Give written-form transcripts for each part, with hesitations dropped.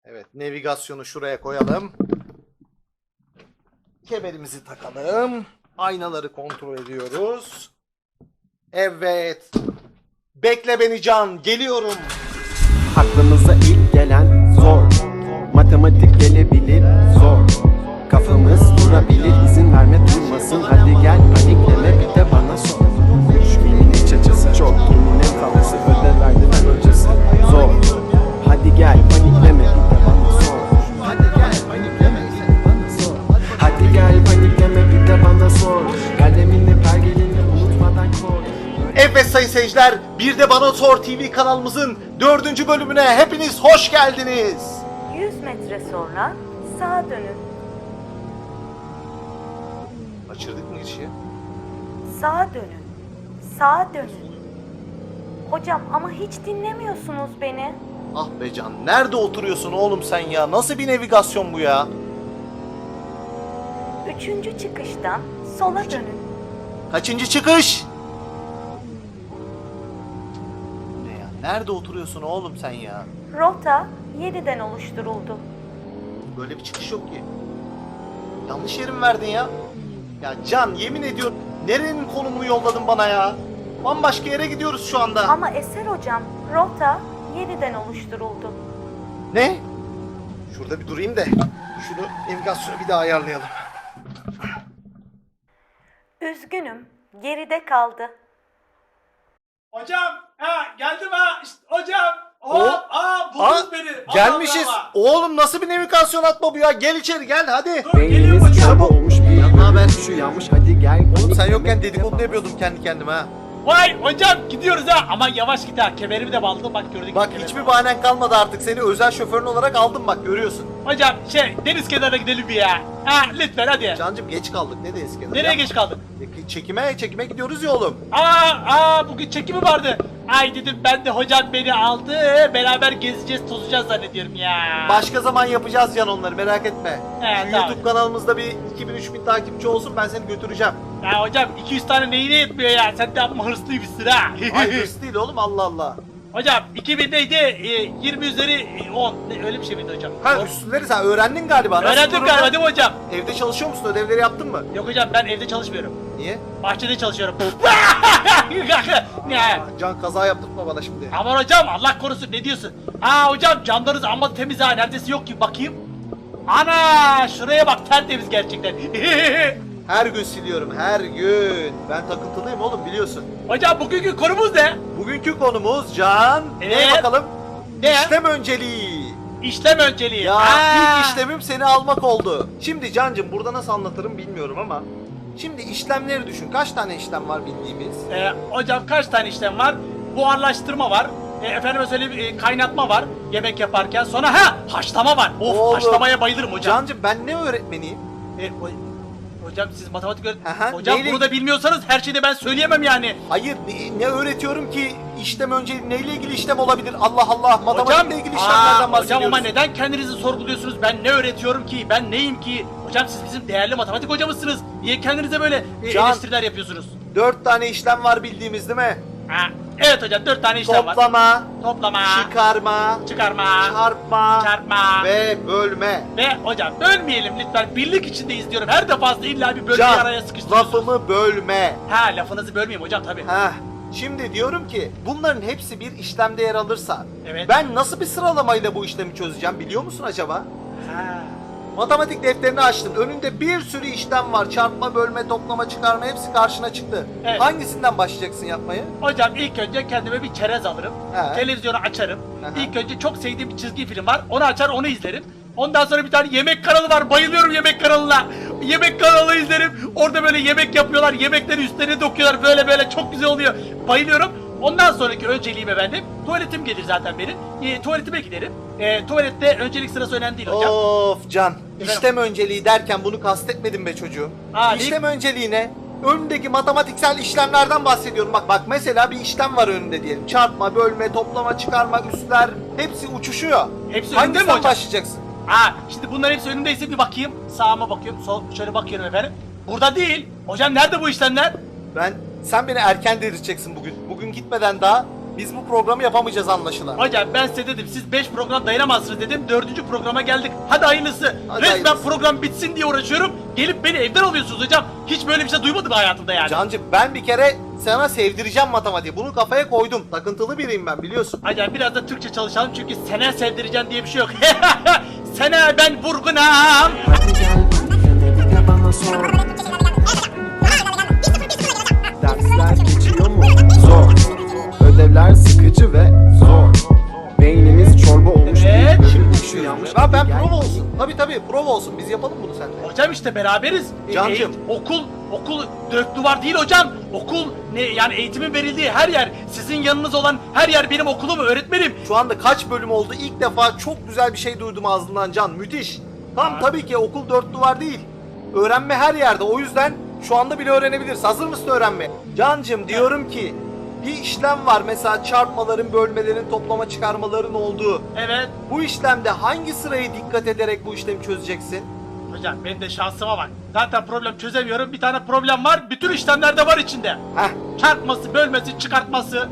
Evet, navigasyonu şuraya koyalım. Kemerimizi takalım. Aynaları kontrol ediyoruz. Evet. Bekle beni Can, geliyorum. Aklımıza ilk gelen zor. Matematik gelebilir zor. Kafamız durabilir, izin verme durmasın. Hadi gel panikleme, bir de bana sor. Düşmenin iç açısı çok, kiminin kafası ödev verdi ben hocası. Zor. Hadi gel panikleme, bir de bana sor. Hadi gel panikleme, bir de bana sor. Hadi gel panikleme, bir de bana sor. Kalemini pergelini unutmadan koy. Evet sayın seyirciler, bir de Bana Sor TV kanalımızın 4. bölümüne hepiniz hoş geldiniz. 100 metre sonra sağa dönün. Açırdık mı girişi? Sağa dönün. Sağa dönün. Hocam ama hiç dinlemiyorsunuz beni. Ah be Can, nerede oturuyorsun oğlum sen ya? Nasıl bir navigasyon bu ya? 3. çıkıştan sola dönün. Kaçıncı çıkış? Ne ya? Nerede oturuyorsun oğlum sen ya? Rota 7'den oluşturuldu. Böyle bir çıkış yok ki. Yanlış yeri mi verdin ya? Ya Can, yemin ediyorum nerenin konumunu yolladın bana ya? Bambaşka yere gidiyoruz şu anda. Ama Eser hocam, rota 7'den oluşturuldu. Ne? Şurada bir durayım da şunu navigasyonu bir daha ayarlayalım. Üzgünüm, geride kaldı. Hocam, geldim işte, hocam. Hop, Buldunuz beni. Allah gelmişiz. Allah. Oğlum nasıl bir navigasyon atma bu ya? Gel içeri gel hadi. Dur, geliyorum Beynimiz hocam. çaba olmuş bir Ya, naber? şu yanmış hadi gel. Oğlum sen yokken panikleme, dedikodu bir de yapıyordum kendi kendime ha. Vay hocam gidiyoruz ha. Aman yavaş git ha. Kemerimi de bağladım bak gördük. Bak hiçbir bahanen kalmadı artık. Seni özel şoförün olarak aldım bak görüyorsun. Hocam deniz kenarına gidelim bir ya. Lütfen hadi. Cancım geç kaldık. Ne de eski Nereye geç kaldık? Çekime gidiyoruz ya oğlum. Bugün çekimi vardı. Ay dedim ben de hocam beni aldı. Beraber gezeceğiz tozacağız zannediyorum ya. Başka zaman yapacağız Can onları merak etme. He, Şu tamam. YouTube kanalımızda bir 2000-3000 takipçi olsun ben seni götüreceğim. Ya hocam 200 tane neyine yetmiyor ya. Sen de amma hırslıymışsın ha. Ay hırs değil oğlum Allah Allah. Hocam 2000 neydi? 20 üzeri 10. Öyle bir şey miydi hocam? Ha üstleri sen öğrendin galiba. Nasıl Öğrendim durumda? galiba değil mi hocam? Evde çalışıyor musun? Ödevleri yaptın mı? Yok hocam ben evde çalışmıyorum. Niye? Bahçede çalışıyorum. Ne? Can kaza yaptırtma bana şimdi. Aman hocam Allah korusun ne diyorsun? Hocam camlarınız amma temiz ha neredeyse yok gibi bakayım. Ana şuraya bak tertemiz gerçekten. Her gün siliyorum her gün. Ben takıntılıyım oğlum biliyorsun. Hocam bugünkü konumuz ne? Bugünkü konumuz Can. Evet. Ne bakalım? Ne? İşlem önceliği. İşlem önceliği. Ya ilk işlemim seni almak oldu. Şimdi Cancım burada nasıl anlatırım bilmiyorum ama. Şimdi işlemleri düşün. Kaç tane işlem var bildiğimiz? Hocam kaç tane işlem var? Buharlaştırma var. Efendime söyleyeyim kaynatma var yemek yaparken. Sonra haşlama var. Of Oğlum. haşlamaya bayılırım hocam. Cancım ben ne öğretmeniyim? Hocam siz matematik Aha, hocam neyle- bunu da bilmiyorsanız her şeyi de ben söyleyemem yani. Hayır ne öğretiyorum ki işlem önceliği neyle ilgili işlem olabilir? Allah Allah matematikle ilgili işlemlerden bahsediyoruz. Hocam ama neden kendinizi sorguluyorsunuz? Ben ne öğretiyorum ki? Ben neyim ki? Hocam siz bizim değerli matematik hocamızsınız. Niye kendinize böyle Can- eleştiriler yapıyorsunuz? 4 tane işlem var bildiğimiz değil mi? Evet hocam 4 tane işlem var. Toplama, Toplama, çıkarma, çıkarma, çarpma ve bölme. ve hocam bölmeyelim lütfen. Birlik içinde izliyorum. Her defasında illa bir bölmeyi araya Can, sıkıştırıyorsunuz. lafımı bölme. Lafınızı bölmeyeyim hocam tabii. Heh. Şimdi diyorum ki bunların hepsi bir işlemde yer alırsa Evet. ben nasıl bir sıralamayla bu işlemi çözeceğim biliyor musun acaba? Ha. Matematik defterini açtın. Önünde bir sürü işlem var. Çarpma, bölme, toplama, çıkarma hepsi karşına çıktı. Evet. Hangisinden başlayacaksın yapmayı? Hocam ilk önce kendime bir çerez alırım. He. Televizyonu açarım. Aha. İlk önce çok sevdiğim bir çizgi film var. Onu açar onu izlerim. Ondan sonra bir tane yemek kanalı var. Bayılıyorum yemek kanalına. Yemek kanalı izlerim. Orada böyle yemek yapıyorlar. Yemekleri üstlerine döküyorlar. Böyle çok güzel oluyor. Bayılıyorum. Ondan sonraki önceliğim efendim. Tuvaletim gelir zaten benim. Tuvaletime giderim. Tuvalette öncelik sırası önemli değil hocam. Of Can. İşlem önceliği derken bunu kastetmedim be çocuğum. İşlem önceliği ne? Önündeki matematiksel işlemlerden bahsediyorum. Bak mesela bir işlem var önünde diyelim. Çarpma, bölme, toplama, çıkarma, üstler hepsi uçuşuyor. Hepsi önünde mi Hangisinden hocam? başlayacaksın? Şimdi bunların hepsi önümdeyse bir bakayım. Sağıma bakıyorum. Şöyle bakıyorum efendim. Burada değil. Hocam nerede bu işlemler? Sen beni erken delirteceksin bugün. Bugün gitmeden daha biz bu programı yapamayacağız anlaşılan. Hocam ben size dedim siz 5 program dayanamazsınız dedim. 4. programa geldik. Hadi hayırlısı. Hadi Resmen hayırlısı. program bitsin diye uğraşıyorum. Gelip beni evden alıyorsunuz hocam. Hiç böyle bir şey duymadım hayatımda yani. Cancım ben bir kere sana sevdireceğim matematiği. Bunu kafaya koydum. Takıntılı biriyim ben biliyorsun. Hocam biraz da Türkçe çalışalım çünkü sene sevdireceğim diye bir şey yok. Sene ben vurgunam. Hadi gel panikle bir de bana sor. Dersler geçiyor mu? Zor. Ödevler sıkıcı ve zor. Beynimiz çorba olmuş Evet, değil. Şimdi Şu yanlış. ben Hadi gel. prova olsun. Tabii prova olsun. Biz yapalım bunu seninle. Hocam işte beraberiz. Cancım. Okul dört duvar değil hocam. Okul ne yani eğitimin verildiği her yer. Sizin yanınız olan her yer benim okulum, öğretmenim. Şu anda kaç bölüm oldu? İlk defa çok güzel bir şey duydum ağzından Can. Müthiş. Tabii ki okul dört duvar değil. Öğrenme her yerde. O yüzden şu anda bile öğrenebiliriz. Hazır mısın öğrenmeye? Cancım diyorum ki bir işlem var. Mesela çarpmaların, bölmelerin, toplama çıkarmaların olduğu. Evet. Bu işlemde hangi sırayı dikkat ederek bu işlemi çözeceksin? Hocam benim de şansıma bak. Zaten problem çözemiyorum. Bir tane problem var. Bütün işlemlerde var içinde. Heh. Çarpması, bölmesi, çıkartması.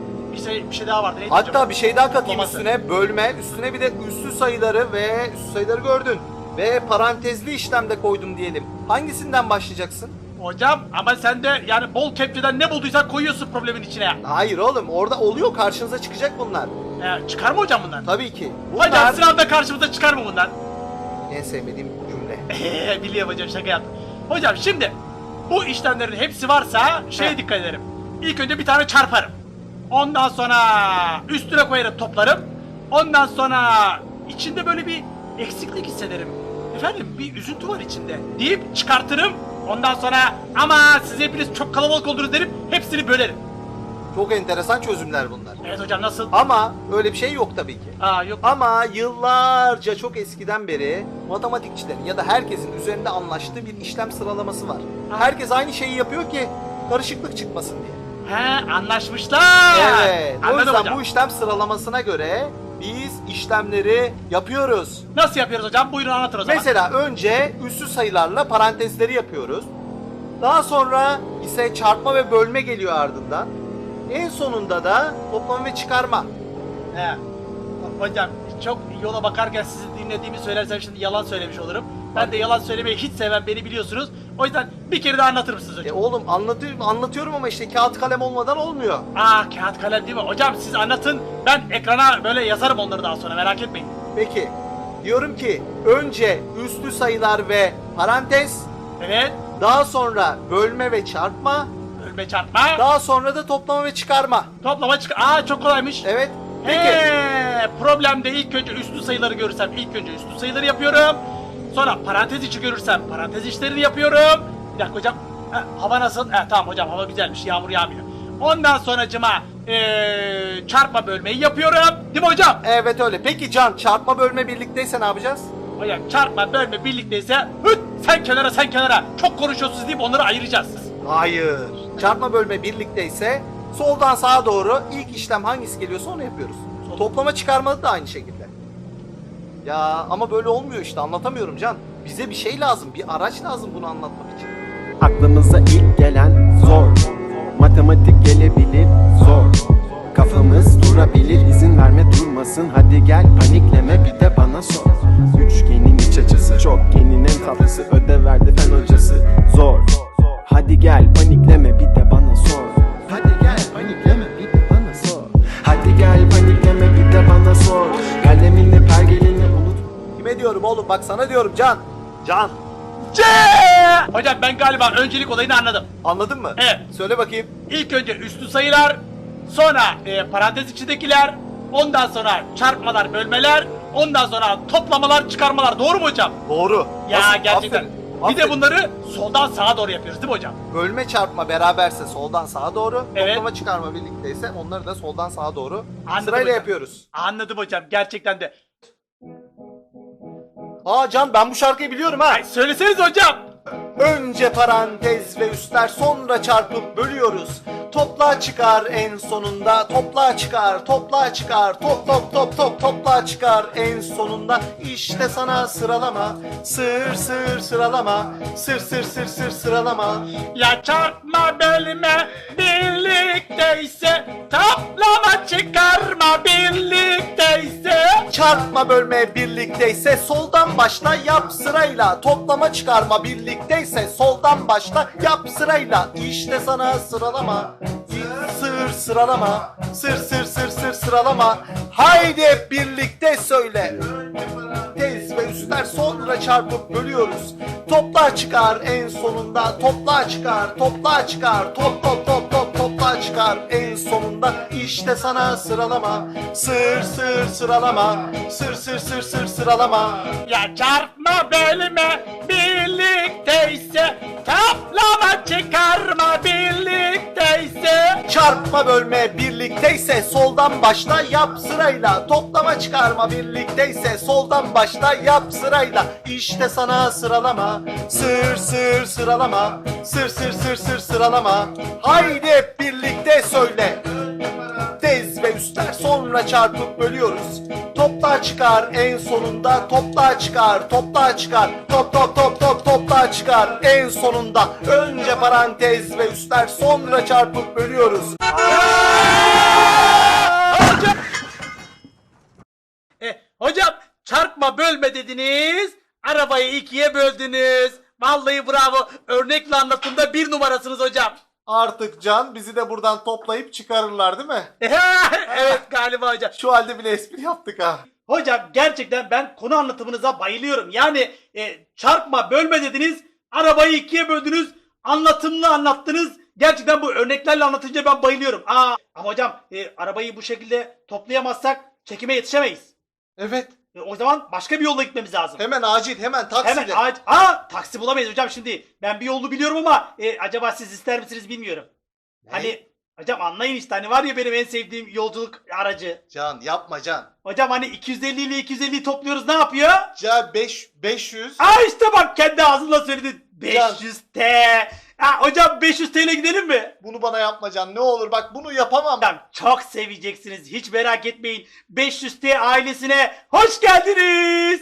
Bir şey daha vardı. Neydi hocam? Hatta bir şey daha katayım Toplaması. üstüne. Bölme, üstüne bir de üssü sayıları ve üssü sayıları gördün. Ve parantezli işlemde koydum diyelim. Hangisinden başlayacaksın? Hocam ama sen de yani bol kepçeden ne bulduysan koyuyorsun problemin içine. Hayır oğlum, orada oluyor, karşınıza çıkacak bunlar. Çıkar mı hocam bunlar? Tabii ki. Hocam Bunlar sınavda karşımıza çıkar mı bunlar? en sevmediğim cümle. Biliyorum hocam, şaka yaptım. Hocam şimdi bu işlemlerin hepsi varsa şeye Heh. dikkat ederim. İlk önce bir tane çarparım. Ondan sonra üstüne koyarım, toplarım. Ondan sonra içinde böyle bir eksiklik hissederim. Efendim bir üzüntü var içinde deyip çıkartırım. Ondan sonra ama siz hepiniz çok kalabalık oldunuz derim. Hepsini bölerim. Çok enteresan çözümler bunlar. Evet hocam, nasıl? Ama öyle bir şey yok tabii ki. Yok. Ama yıllarca, çok eskiden beri matematikçilerin ya da herkesin üzerinde anlaştığı bir işlem sıralaması var. Ha. Herkes aynı şeyi yapıyor ki karışıklık çıkmasın diye. Anlaşmışlar. Evet. O Anladım yüzden hocam. bu işlem sıralamasına göre biz işlemleri yapıyoruz. Nasıl yapıyoruz hocam? Buyurun anlatın o zaman. Mesela önce üssü sayılarla parantezleri yapıyoruz. Daha sonra ise çarpma ve bölme geliyor ardından. En sonunda da toplama ve çıkarma. He. Hocam çok yola bakarken sizi dinlediğimi söylersem şimdi yalan söylemiş olurum. Ben de yalan söylemeyi hiç sevmem, beni biliyorsunuz. O yüzden bir kere daha anlatır mısınız hocam? Oğlum anlatıyorum ama işte kağıt kalem olmadan olmuyor. Kağıt kalem değil mi? Hocam siz anlatın, ben ekrana böyle yazarım onları daha sonra, merak etmeyin. Peki. Diyorum ki önce üslü sayılar ve parantez, Evet. daha sonra bölme ve çarpma, Bölme, çarpma. daha sonra da toplama ve çıkarma. Toplama, çok kolaymış. Evet. Peki. Problemde ilk önce üslü sayıları görürsem ilk önce üslü sayıları yapıyorum. Sonra parantez içi görürsem parantez içlerini yapıyorum. Bir dakika hocam. Hava nasıl? Tamam hocam, hava güzelmiş, yağmur yağmıyor. Ondan sonracıma çarpma bölmeyi yapıyorum. Değil mi hocam? Evet öyle. Peki Can, çarpma bölme birlikteyse ne yapacağız? Hocam çarpma bölme birlikteyse sen kenara çok konuşuyorsunuz deyip onları ayıracağız. Hayır. Çarpma bölme birlikteyse soldan sağa doğru ilk işlem hangisi geliyorsa onu yapıyoruz. Toplama çıkarma da aynı şekilde. Ya ama böyle olmuyor işte, anlatamıyorum Can. Bize bir şey lazım, bir araç lazım bunu anlatmak için. Aklımıza ilk gelen zor. Matematik gelebilir zor. Kafamız durabilir, izin verme durmasın. Hadi gel panikleme bir de bana sor. Üçgenin iç açısı, çokgenin en tatlısı. Ödev verdi fen hocası zor. Hadi gel panikleme bir de bana sor. Hadi gel panikleme bir de bana sor. Hadi gel panikleme bir de bana sor. Kalemini pergelini unut. Kime diyorum oğlum, bak sana diyorum Can. Can, Hocam ben galiba öncelik olayını anladım. anladın mı? Evet. Söyle bakayım. İlk önce üslü sayılar, sonra parantez içindekiler, ondan sonra çarpmalar, bölmeler, ondan sonra toplamalar, çıkarmalar. Doğru mu hocam? Doğru. Ya Nasıl? gerçekten. Aferin. Bir de Aferin. bunları soldan sağa doğru yapıyoruz değil mi hocam? Bölme çarpma beraberse soldan sağa doğru, Evet. toplama çıkarma birlikteyse onları da soldan sağa doğru Anladım sırayla hocam. yapıyoruz. Anladım hocam, gerçekten de. Can, ben bu şarkıyı biliyorum ha. Söyleseniz hocam. Önce parantez ve üstler, sonra çarpıp bölüyoruz. Topla çıkar en sonunda, topla çıkar, topla çıkar, topla çıkar en sonunda. İşte sana sıralama, sır sıralama, sır sıralama. Ya çarpma bölme birlikteyse, toplama çıkarma birlikteyse. Çarpma bölme birlikteyse soldan başla yap sırayla. Toplama çıkarma birlikteyse soldan başla yap sırayla. İşte sana sıralama, sıralama, sır sıralama. Haydi hep birlikte söyle. Tez ve üstler sonra çarpıp bölüyoruz. Topla çıkar en sonunda, topla çıkar, topla çıkar, topla çıkar en sonunda. İşte sana sıralama, sır sıralama, sır sıralama. Ya çarpma bölme birlikteyse, toplama çıkarma birlikteyse. Çarpma bölme birlikteyse soldan başla yap sırayla. Toplama çıkarma birlikteyse soldan başla yap sırayla. İşte sana sıralama, sır sıralama, sır sıralama. Haydi hep birlikte söyle. Tez ve üstler sonra çarpıp bölüyoruz. Topla çıkar en sonunda, topla çıkar, topla çıkar, topla çıkar en sonunda. Önce parantez ve üstler sonra çarpıp bölüyoruz. Hocam çarpma bölme dediniz, arabayı ikiye böldünüz. Vallahi bravo, örnekle anlatımda 1 numarasınız hocam. Artık Can bizi de buradan toplayıp çıkarırlar değil mi? Evet galiba hocam. Şu halde bile espri yaptık ha. Hocam gerçekten ben konu anlatımınıza bayılıyorum. Yani çarpma bölme dediniz, arabayı ikiye böldünüz, anlatımlı anlattınız. Gerçekten bu örneklerle anlatınca ben bayılıyorum. Ama hocam arabayı bu şekilde toplayamazsak çekime yetişemeyiz. Evet. O zaman başka bir yolla gitmemiz lazım. Hemen acil, hemen taksiyle. Hemen taksi bulamayız hocam şimdi. Ben bir yolu biliyorum ama acaba siz ister misiniz bilmiyorum. Ne? Hani hocam anlayın işte, hani var ya benim en sevdiğim yolculuk aracı. Can yapma Can. Hocam hani 250 ile 250'yi topluyoruz, ne yapıyor? Can 500. İşte bak kendi ağzınla söyledin. 500 T. Hocam 500 TL gidelim mi? Bunu bana yapma Can, ne olur bak bunu yapamam. Hocam çok seveceksiniz, hiç merak etmeyin. 500 T ailesine hoş geldiniz.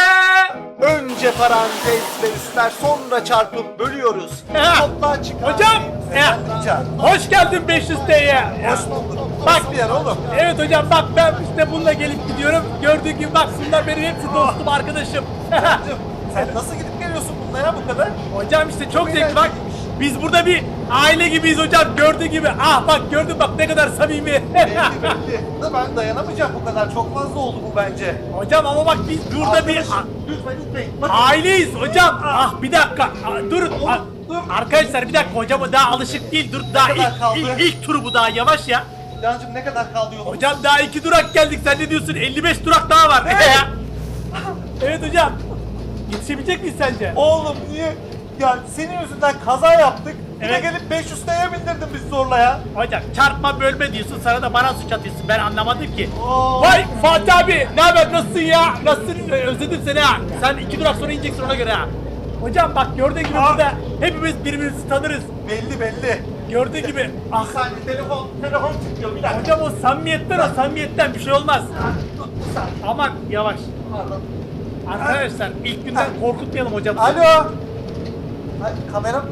Önce parantez ve üstler sonra çarpıp bölüyoruz. Topla çıkar. Hocam, Can. hoş geldin 500 T'ye. Hoş bulduk. Bak. Nasıl bir yer oğlum? Evet hocam bak, ben işte bununla gelip gidiyorum. Gördüğün gibi bak, bunlar benim hepsi dostum, arkadaşım. Sen nasıl gidip geliyorsun bununla ya bu kadar? Hocam işte çok zevkli bak. Biz burada bir aile gibiyiz hocam, gördüğün gibi. Bak gördün bak ne kadar samimi. Belli. Da ben dayanamayacağım bu kadar. Çok fazla oldu bu bence. Hocam ama bak biz burada bir Lütfen. aileyiz hocam. Bir dakika. Durun. Dur. Arkadaşlar bir dakika, hocam daha alışık değil. Dur daha kadar kaldı? ilk turu bu, daha yavaş ya. Cancım ne kadar kaldı yolumuz? Hocam daha 2 durak geldik, sen ne diyorsun? 55 durak daha var. Evet hocam. Yetişebilecek miyiz sence? Oğlum niye? Ya senin yüzünden kaza yaptık. Bir de Evet. gelip 500 TL'ye bindirdin bizi zorla ya. Hocam çarpma bölme diyorsun, sana da bana suç atıyorsun, ben anlamadım ki. Oo. Vay Fatih abi, ne haber, nasılsın ya? Nasılsın? Özledim seni ha. Sen 2 durak sonra ineceksin, ona göre ha. Hocam bak gördüğün gibi burada hepimiz birbirimizi tanırız. Belli. Gördüğün gibi. Bir saniye telefon çıkıyor bir dakika. Hocam o samimiyetten bir şey olmaz. Bir saniye. Aman yavaş. Pardon. Arkadaşlar ilk günden korkutmayalım hocamızı. Alo. Ay, kameram.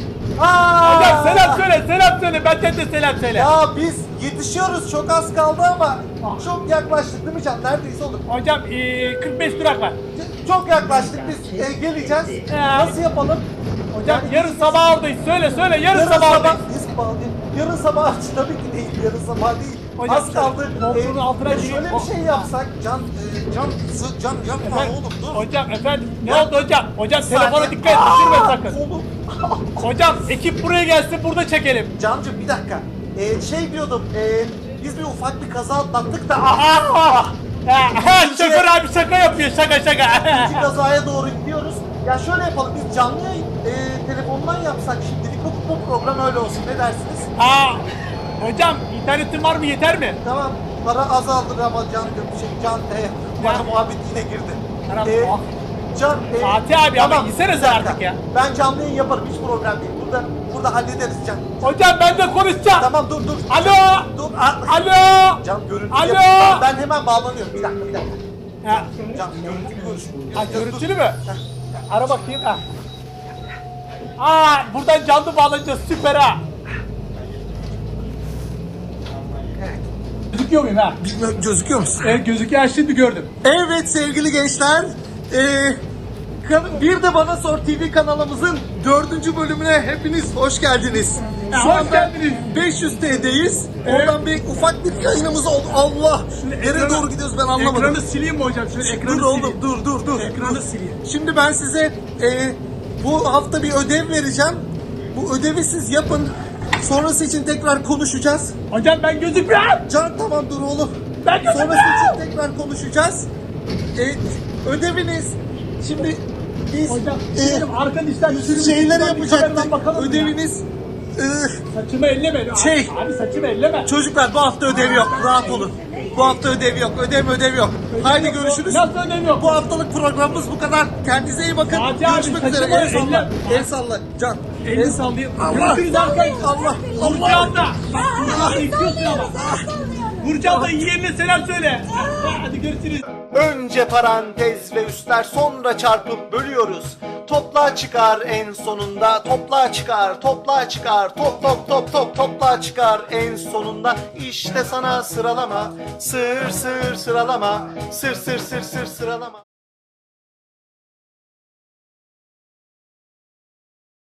Hocam selam söyle, benden de selam söyle. Ya biz yetişiyoruz, çok az kaldı ama çok yaklaştık değil mi Can? Neredeyse olur. Hocam 45 durak var. Çok yaklaştık biz, geleceğiz. Nasıl yapalım? Hocam yarın sabah oradayız. Söyle yarın sabah oradayız. Yarın sabah tabii ki değil, yarın sabah değil. Hocam, az kaldı. koltuğun altına Şöyle gireyim. bir şey yapsak, Can yapma Efendim, oğlum dur. Hocam efendim ne oldu hocam? Hocam Bir telefona saniye. dikkat et, düşürme sakın. Oğlum. Hocam ekip buraya gelsin, burada çekelim. Cancım bir dakika. Şey diyordum, biz bir ufak bir kaza atlattık da Şoför abi şaka yapıyor, şaka. ikinci kazaya doğru gidiyoruz. Ya şöyle yapalım, biz canlı yayın telefondan yapsak şimdilik bu program öyle olsun, ne dersiniz? Hocam internetin var mı, yeter mi? Tamam, para azaldı ama bana muhabbet yine girdi. Tamam. Can, Fatih abi ama tamam, yesene bir sen dakika. artık ya. Ben canlı yayın yaparım, hiç problem değil. Dur burada hallederiz Can. Hocam ben de konuşacağım. Tamam dur. Alo. Dur. Alo. Can görüntü Alo. yap. Ben hemen bağlanıyorum. Bir dakika. Ha, Can görüntülü konuş. ha, görüntülü mü? Ara bakayım. Ha. Aa, buradan canlı bağlanacağız. Süper ha. Gözüküyor muyum ha? Bilmiyorum, gözüküyor musun? Gözüküyor, şimdi gördüm. Evet sevgili gençler. Bir de Bana Sor TV kanalımızın 4. bölümüne hepiniz hoş geldiniz. Şu Hoş anda geldiniz. 500T'deyiz. Evet. Oradan bir ufak bir yayınımız oldu. Allah! Nereye doğru gidiyoruz ben anlamadım. Ekranı sileyim mi hocam? Şöyle ekranı Dur sileyim. oğlum dur. Ekranı sileyim. Şimdi ben size bu hafta bir ödev vereceğim. Bu ödevi siz yapın. Sonrası için tekrar konuşacağız. Hocam ben gözükmüyorum. Can tamam dur oğlum. Ben gözükmüyorum. Sonrası için tekrar konuşacağız. Ödeviniz şimdi biz Hocam arkadaşlar şeyler yapacaktık. Ödeviniz Saçımı elleme. Şey- Abi saçımı elleme. çocuklar bu hafta ödev yok. Rahat olun. Bu hafta ödev yok. Ödev yok. Haydi görüşürüz. Nasıl ödev yok? Bu haftalık programımız bu kadar. Kendinize iyi bakın. Fatih abi, Görüşmek üzere. saçma El salla. elle. El salla. Can. Elini sallayayım. Allah. Görüşürüz arkadaşlar. Allah. Vuracağım da. Bak vuracağım da istiyorsun ama. Vuracağım da yeğenine selam söyle. Hadi görüşürüz. Önce parantez ve üstler sonra çarpıp bölüyoruz. Topla çıkar en sonunda. Topla çıkar. Topla çıkar en sonunda. İşte sana sıralama. Sır sıralama. Sır sıralama.